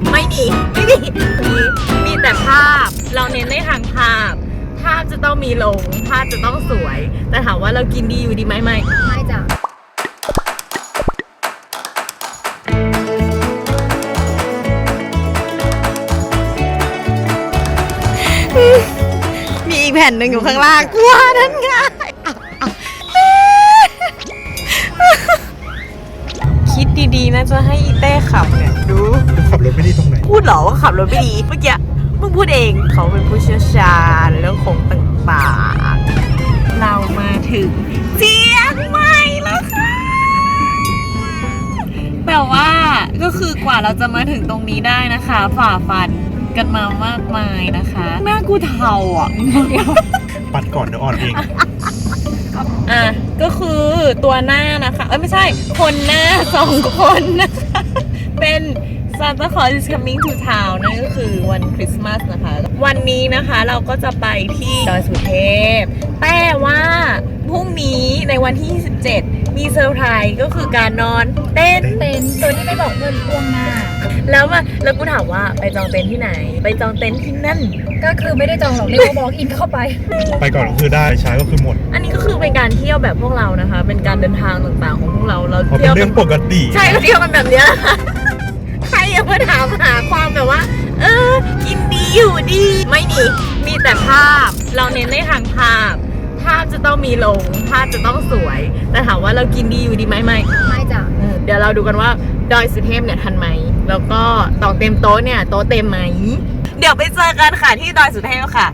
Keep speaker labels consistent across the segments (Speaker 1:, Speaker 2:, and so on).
Speaker 1: ไม่มีมีแต่ภาพเราเน้นในทางภาพจะต้องมีลงภาพจะต้องสวยแต่ถามว่าเรากินดีอยู่ดีไหมไม่
Speaker 2: จ้ะ
Speaker 1: มีอีกแผ่นหนึ่งอยู่ข้างล่างกลัวนั่นไงคิดดีๆนะจะให้อีเต้ขับเนี่ยดู
Speaker 3: ขับรถไม่ดีตรงไหน
Speaker 1: พูดเหรอว่าขับรถไม่ดีเมื่อกี้มึงพูดเองเขาเป็นผู้เชี่ยวชาญเรื่องโค้งต่างๆเรามาถึงเชียงใหม่แล้วค่ะแต่ว่าก็คือกว่าเราจะมาถึงตรงนี้ได้นะคะฝ่าฟันกันมามากมายนะคะหน้ากูเทาอ่ะ
Speaker 3: ปัดก่อนเดี๋ยวอ่อนเอง
Speaker 1: ก็คือตัวหน้านะคะไม่ใช่คนหน้า2 คนนะคะเป็น Santa Claus is coming to town นั่นก็คือวันคริสต์มาสนะคะวันนี้นะคะเราก็จะไปที่ดอยสุเทพแต่ว่าพรุ่งนี้ในวันที่27มีเซอร์ไพรส์ก็คือการนอนเต็นท์
Speaker 2: โดยที่ไม่บอกเพื่อนล่วงหน้า
Speaker 1: แล้วกูถามว่าไปจองเต็นท์ที่ไหนไปจองเต็นท์ที่นั่น
Speaker 2: ก็คือไม่ได้จองหรอกเรียกว่าบล็อกอินเข้าไป
Speaker 3: ก่อนก็คือได้ใช้ก็คือหมด
Speaker 1: อันนี้ก็คือเป็นการเที่ยวแบบพวกเรานะคะเป็นการเดินทางต่างๆของพวกเรา
Speaker 3: เที่ยวเป็นเรื่องปกติ
Speaker 1: ใช่เราเที่ยวกันแบบนี้ใครอย่ามาถามหาความแบบว่ากินดีอยู่ดีไม่มีแต่ภาพเราเน้นในทางภาพจะต้องมีลงภาพจะต้องสวยแต่ถามว่าเรากินดีอยู่ดีไหมไม่
Speaker 2: จ้ะ
Speaker 1: เดี๋ยวเราดูกันว่าดอยสุเทพเนี่ยทันไหมแล้วก็ต่อเต็มโต๊ะเนี่ยโต๊ะเต็มไหมเดี๋ยวไปเจอกันค่ะที่ดอยสุเทพค่ะ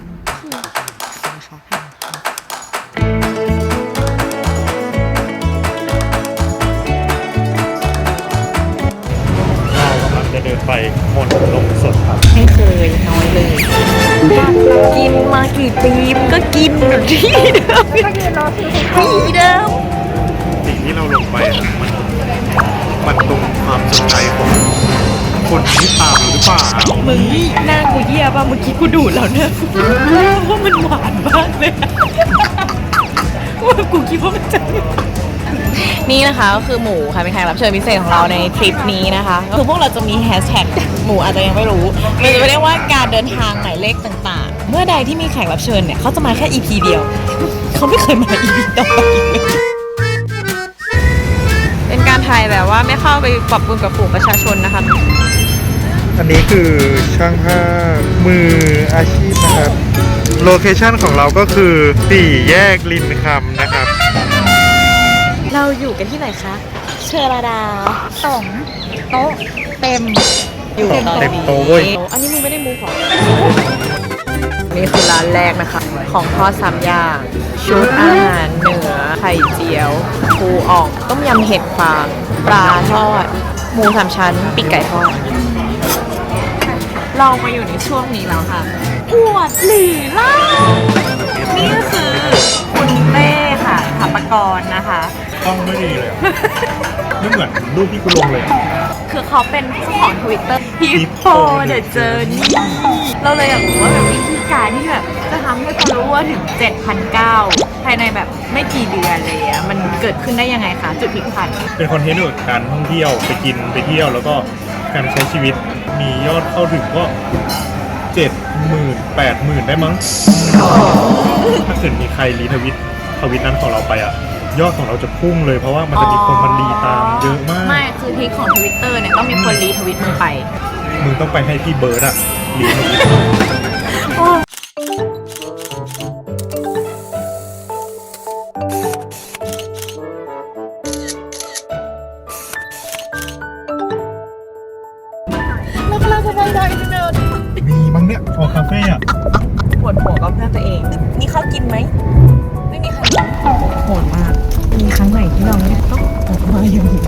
Speaker 3: จะเดินไปมนลงสดครับ
Speaker 1: ไม่เคยน้อยเลยกินมากี่ปีก็กินแบบที่เดิมที่เดิม
Speaker 3: สิ่งที่เราลงไปมันตรงความสนใจของคนที่ตามหรือเปล่า
Speaker 1: มึงหน้ากูเยี่ยป่ะเมื่อกี้กูดูดแล้วเนี่ยว่ามันหวานมากเลยว่ากูคิดว่ามันจะนี่นะคะก็คือหมูค่ะเป็นแขกรับเชิญพิเศษของเราในทริปนี้นะคะคือพวกเราจะมีแฮชแท็กหมูอาจจะยังไม่รู้มันจะเรียกว่าการเดินทางหมายเลขต่างๆเมื่อใดที่มีแขกรับเชิญเนี่ยเขาจะมาแค่ EP เดียวเขาไม่เคยมา EP ต่อไปเป็นการถ่ายแบบว่าไม่เข้าไปปรับปรุงกับฝูงประชาชนนะคะ
Speaker 3: อันนี้คือช่างภาพมืออาชีพนะครับโลเคชั่นของเราก็คือ4 แยกลินคำนะครับ
Speaker 1: เราอยู่กันที่ไหนคะเชอราดา
Speaker 2: 2 โต๊ะเต็ม
Speaker 1: อยู่
Speaker 3: เต็มโต๊ะเว้ย
Speaker 1: อันนี้มึงไม่ได้มูของนี่คือร้านแรกนะคะของทอด3 อย่างชุดอาหารเหนือไข่เจียวปูอ่องต้มยำเห็ดฟางปลาทอดหมู3 ชั้นปีกไก่ทอดเรามาอยู่ในช่วงนี้แล้วค่ะอวดหลีล่านี่ก็คือคุณเต้ค่ะถาปกรนะคะ
Speaker 3: ต้องไม่ดีเลยไม่เหมือนรูปที่กูลงเลย
Speaker 1: คือเขาเป็นเจ้าของ Twitter Hippo The Journey เราเลยอยากรู้ว่าแบบวิธีการที่แบบจะทำให้คนรู้ว่าถึง 7,900 ภายในแบบไม่กี่เดือนเลยอะมันเกิดขึ้นได้ยังไงคะจุดพลิกผัน
Speaker 3: เป็นคอนเทนต์เกี่ยวกับการท่องเที่ยวไปกินไปเที่ยวแล้วก็การใช้ชีวิตมียอดเข้าถึงก็70,000 80,000ได้มั้งถ้าเกิดมีใครรีทวิตนั้นของเราไปอะยอดของเราจะพุ่งเลยเพราะว่ามันจะมีคนมันรีตามเยอะมาก
Speaker 1: ไม่คือทริคของ Twitter เนี่ยต้องมีคนรีทวิตมึงไป
Speaker 3: มึงต้องไปให้พี่เบิร์ดอะรีทวิต
Speaker 1: แล้วเราจะไปดอยอินเทอร์
Speaker 3: มีมั้งเนี่ยออกคาเฟ่อะ
Speaker 1: ปวดหัวกับเพื่อนตัวเองนี่เขากินไหมไม่มีใครโหดมากมีครั้งไหนที่เราต้องออกมาอย่างนี้